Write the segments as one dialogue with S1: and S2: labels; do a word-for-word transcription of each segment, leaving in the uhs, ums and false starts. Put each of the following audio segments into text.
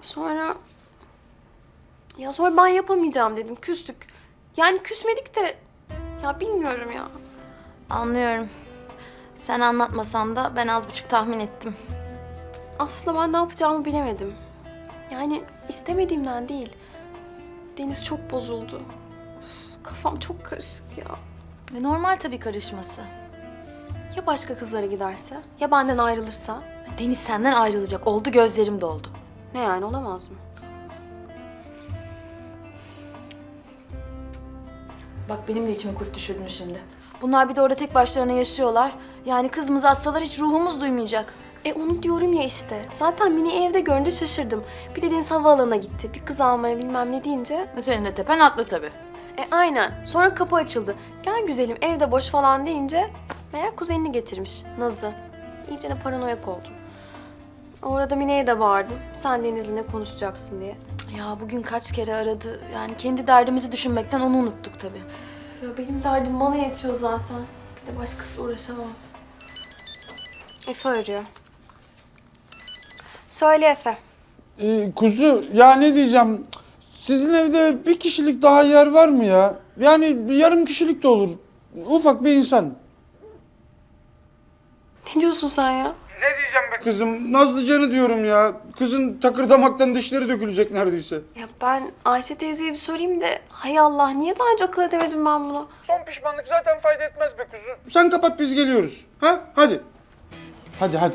S1: Sonra... Ya sonra ben yapamayacağım dedim, küstük. Yani küsmedik de... Ya bilmiyorum ya.
S2: Anlıyorum. Sen anlatmasan da ben az buçuk tahmin ettim.
S1: Aslında ben ne yapacağımı bilemedim. Yani istemediğimden değil. Deniz çok bozuldu. Üf, kafam çok karışık ya.
S2: E, normal tabii karışması.
S1: Ya başka kızlara giderse? Ya benden ayrılırsa?
S2: Deniz senden ayrılacak. Oldu, gözlerim doldu.
S1: Ne yani, olamaz mı?
S2: Bak benim de içimi kurt düşürdün şimdi. Bunlar bir de orada tek başlarına yaşıyorlar. Yani kızımızı atsalar hiç ruhumuz duymayacak.
S1: E onu diyorum ya işte. Zaten Mine'yi evde görünce şaşırdım. Bir de Deniz havaalanına gitti. Bir kız almaya bilmem ne deyince.
S2: Senin de tepen atlı tabii.
S1: E aynen. Sonra kapı açıldı. Gel güzelim evde boş falan deyince meğer kuzenini getirmiş Naz'ı. İyice de paranoyak oldum. Orada Mine'ye de bağırdım. Sen Deniz'le ne konuşacaksın diye.
S2: Ya bugün kaç kere aradı. Yani kendi derdimizi düşünmekten onu unuttuk tabii.
S1: Ya benim derdim bana yetiyor zaten. Bir de başkasıyla uğraşamam. Efe arıyor. Söyle Efe.
S3: Ee, kuzu ya ne diyeceğim? Sizin evde bir kişilik daha yer var mı ya? Yani bir yarım kişilik de olur. Ufak bir insan.
S1: Ne diyorsun sen ya?
S3: Ne diyeceğim be kızım? Nazlıcan'ı diyorum ya. Kızın takırdamaktan dişleri dökülecek neredeyse.
S1: Ya ben Ayşe teyzeye bir sorayım da hay Allah niye daha önce akıl edemedim ben bunu?
S3: Son pişmanlık zaten fayda etmez be kuzu. Sen kapat biz geliyoruz. Ha? Hadi. Hadi hadi.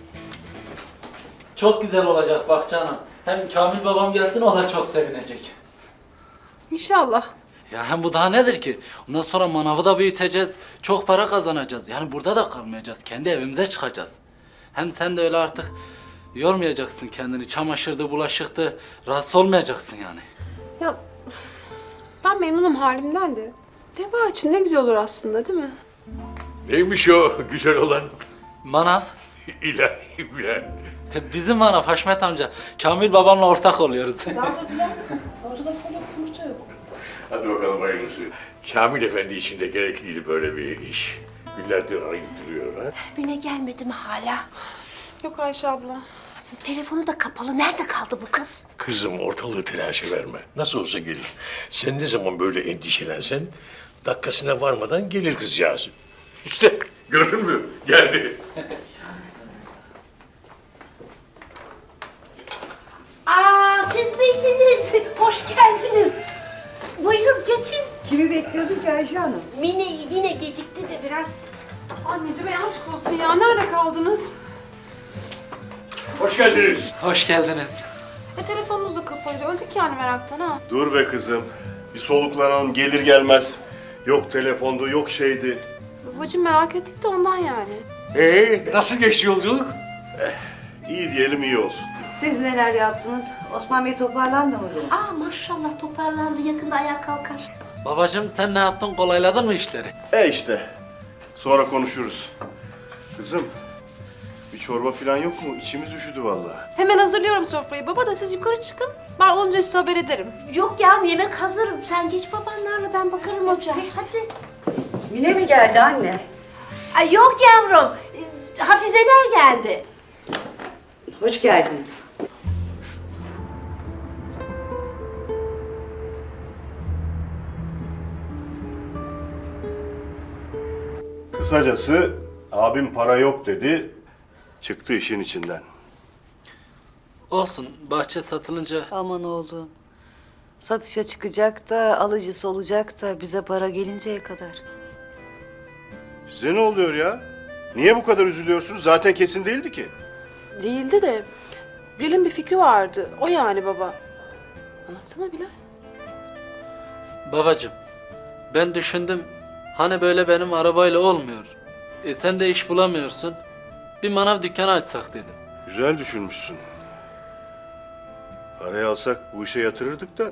S4: Çok güzel olacak bak canım. Hem Kamil babam gelsin o da çok sevinecek.
S5: İnşallah.
S4: Ya hem bu daha nedir ki? Ondan sonra manavı da büyüteceğiz. Çok para kazanacağız. Yani burada da kalmayacağız. Kendi evimize çıkacağız. Hem sen de öyle artık yormayacaksın kendini. Çamaşırdı, bulaşıktı. Rahatsız olmayacaksın yani.
S5: Ya ben memnunum halimden de. Deva için ne güzel olur aslında değil mi?
S6: Neymiş o güzel olan?
S4: Manav.
S6: İlahi bilen.
S4: Bizim manav Haşmet amca. Kamil babamla ortak oluyoruz.
S6: Hadi bakalım hayırlısı. Kamil Efendi için de gerekliydi böyle bir iş. Günlerdir arayıp duruyor ha.
S7: Mine gelmedi mi hala?
S5: Yok Ayşe abla.
S7: Telefonu da kapalı. Nerede kaldı bu kız?
S6: Kızım ortalığı telaşa verme. Nasıl olsa gelir. Sen ne zaman böyle endişelensen dakikasına varmadan gelir kızcağız. İşte gördün mü? Geldi.
S7: Aa, siz miydiniz? Hoş geldiniz. Buyurun geçin.
S8: Kimi bekliyordun ki Ayşe Hanım?
S7: Mine yine gecikti de biraz.
S5: Anneciğim ay aşk olsun ya. Nerede kaldınız?
S6: Hoş geldiniz.
S4: Hoş geldiniz.
S5: E telefonunuz da kapalıydı. Öldük yani meraktan ha.
S9: Dur be kızım. Bir soluklanalım gelir gelmez. Yok telefondu, yok şeydi.
S5: Babacığım merak ettik de ondan yani.
S6: Ee, nasıl geçti yolculuk?
S9: İyi diyelim iyi olsun.
S8: Siz neler yaptınız? Osman Bey toparlandı mı biraz?
S7: Aa maşallah toparlandı. Yakında ayağa kalkar.
S4: Babacığım sen ne yaptın? Kolayladın mı işleri?
S9: E işte. Sonra konuşuruz. Kızım. Bir çorba falan yok mu? İçimiz üşüdü vallahi.
S5: Hemen hazırlıyorum sofrayı. Baba da siz yukarı çıkın. Ben olunca size haber ederim.
S7: Yok ya yemek hazır. Sen geç babanlarla ben bakarım hocam. Hadi.
S8: Mine mi geldi anne?
S7: Ay yok yavrum. Ee, Hafizeler geldi.
S8: Hoş geldiniz.
S9: Kısacası abim para yok dedi. Çıktı işin içinden.
S4: Olsun. Bahçe satılınca
S8: Aman oğlum. Satışa çıkacak da alıcısı olacak da bize para gelinceye kadar.
S9: Size ne oluyor ya? Niye bu kadar üzülüyorsunuz? Zaten kesin değildi ki.
S5: Değildi de Bilal'in bir fikri vardı. O yani baba. Anlatsana Bilal.
S4: babacığım, ben düşündüm. Hani böyle benim arabayla olmuyor. E sen de iş bulamıyorsun. Bir manav dükkanı açsak dedim.
S9: Güzel düşünmüşsün. Parayı alsak bu işe yatırırdık da.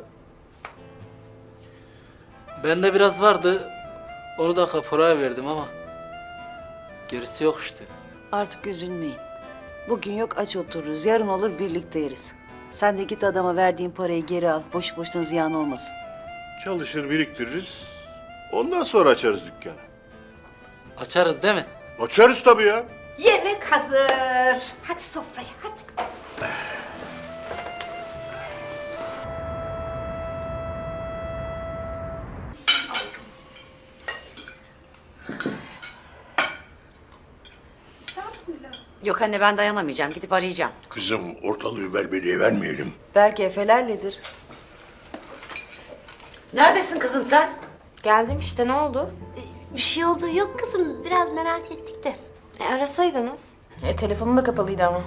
S4: Bende biraz vardı. Onu da kapuraya verdim ama gerisi yok işte.
S8: Artık üzülmeyin. Bugün yok aç otururuz. Yarın olur birlikte yeriz. Sen de git adama verdiğin parayı geri al. Boş boşuna ziyan olmasın.
S9: Çalışır biriktiririz. Ondan sonra açarız dükkanı.
S4: Açarız değil mi?
S9: Açarız tabii ya.
S7: Yemek hazır. Hadi sofraya hadi.
S10: Yok anne ben dayanamayacağım. Gidip arayacağım.
S6: Kızım ortalığı velveleye vermeyelim.
S8: Belki Efelerledir.
S10: Neredesin kızım sen?
S1: Geldim işte, ne oldu?
S7: Bir şey oldu yok kızım. Biraz merak ettik de.
S1: E, arasaydınız.
S2: E, telefonum da kapalıydı ama.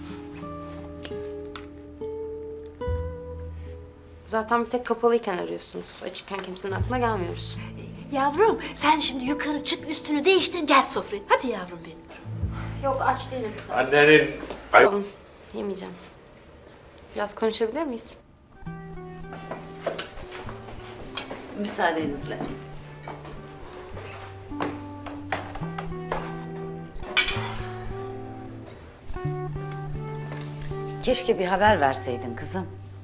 S1: Zaten bir tek kapalıyken arıyorsunuz. Açıkken kimsenin aklına gelmiyoruz.
S7: Yavrum sen şimdi yukarı çık üstünü değiştir gel sofraya. Hadi yavrum benim.
S1: Yok, aç değilim sana.
S6: Annenin... Ay,
S1: Oğlum, yemeyeceğim. Biraz konuşabilir miyiz?
S10: Müsaadenizle. Keşke bir haber verseydin kızım.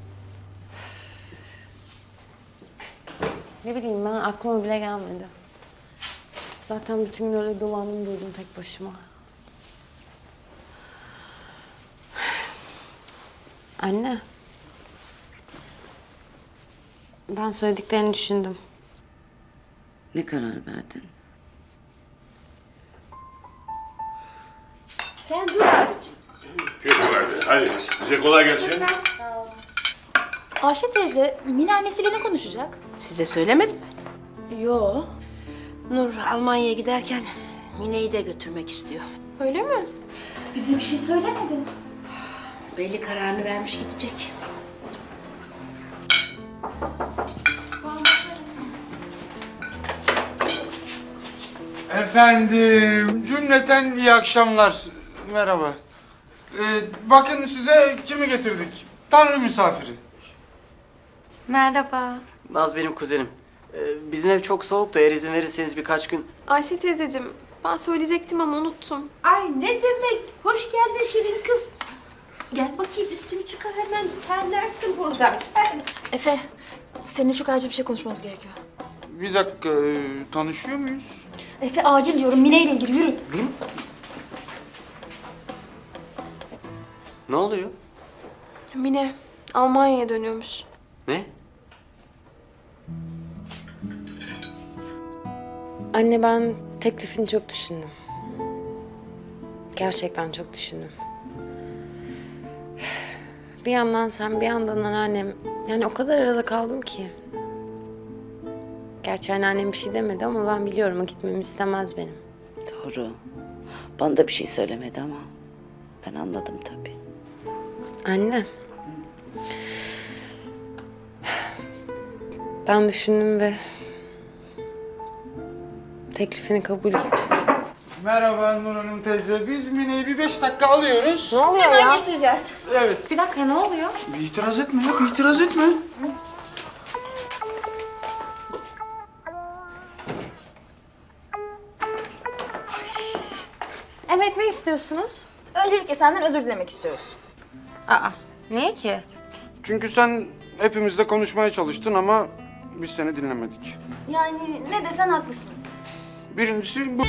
S1: Ne bileyim, ben aklıma bile gelmedi. Zaten bütün gün öyle dolandım durdum tek başıma. Anne. Ben söylediklerini düşündüm.
S10: Ne karar verdin?
S7: Sen dur abicim.
S6: Peki verdi. Hadi size kolay gelsin.
S2: Ayşe teyze, Mine annesiyle ne konuşacak?
S7: Size söylemedim mi?
S2: Yo.
S7: Nur Almanya'ya giderken Mine'yi de götürmek istiyor.
S1: Öyle mi?
S2: Bize bir şey söylemedi.
S7: Belli kararını vermiş gidecek.
S3: Efendim, cümleten iyi akşamlar. Merhaba. Ee, bakın size kimi getirdik? Tanrı misafiri.
S1: Merhaba.
S11: Naz benim kuzenim. Ee, bizim ev çok soğuk da eğer izin verirseniz birkaç gün...
S1: Ayşe teyzeciğim, ben söyleyecektim ama unuttum.
S7: Ay ne demek? Hoş geldin Şirin kız. Gel bakayım üstünü çıkar hemen terlersin buradan. Gel.
S2: Efe, seninle çok acil bir şey konuşmamız gerekiyor.
S3: Bir dakika, e, tanışıyor muyuz?
S2: Efe acil diyorum, Mine ile ilgili yürü.
S11: Ne oluyor?
S1: Mine, Almanya'ya dönüyormuş.
S11: Ne?
S1: Anne, ben teklifini çok düşündüm. Gerçekten çok düşündüm. Bir yandan sen, bir yandan anneannem. Yani o kadar arada kaldım ki. Gerçi anneannem bir şey demedi ama ben biliyorum o gitmemi istemez benim.
S10: Doğru. Bana da bir şey söylemedi ama ben anladım tabii.
S1: Anne. Ben düşündüm ve teklifini kabul ettim.
S3: Merhaba Nur Hanım teyze. Biz Mine'yi bir beş dakika alıyoruz.
S1: Ne oluyor
S2: Hemen
S1: ya?
S2: getireceğiz.
S3: Evet.
S1: Bir dakika, ne oluyor?
S3: Bir itiraz etme ya, bir itiraz etme.
S1: Evet, ne istiyorsunuz?
S2: Öncelikle senden özür dilemek istiyoruz.
S1: Aa, niye ki?
S3: Çünkü sen hepimizle konuşmaya çalıştın ama biz seni dinlemedik.
S2: Yani ne desen haklısın.
S3: Birincisi bu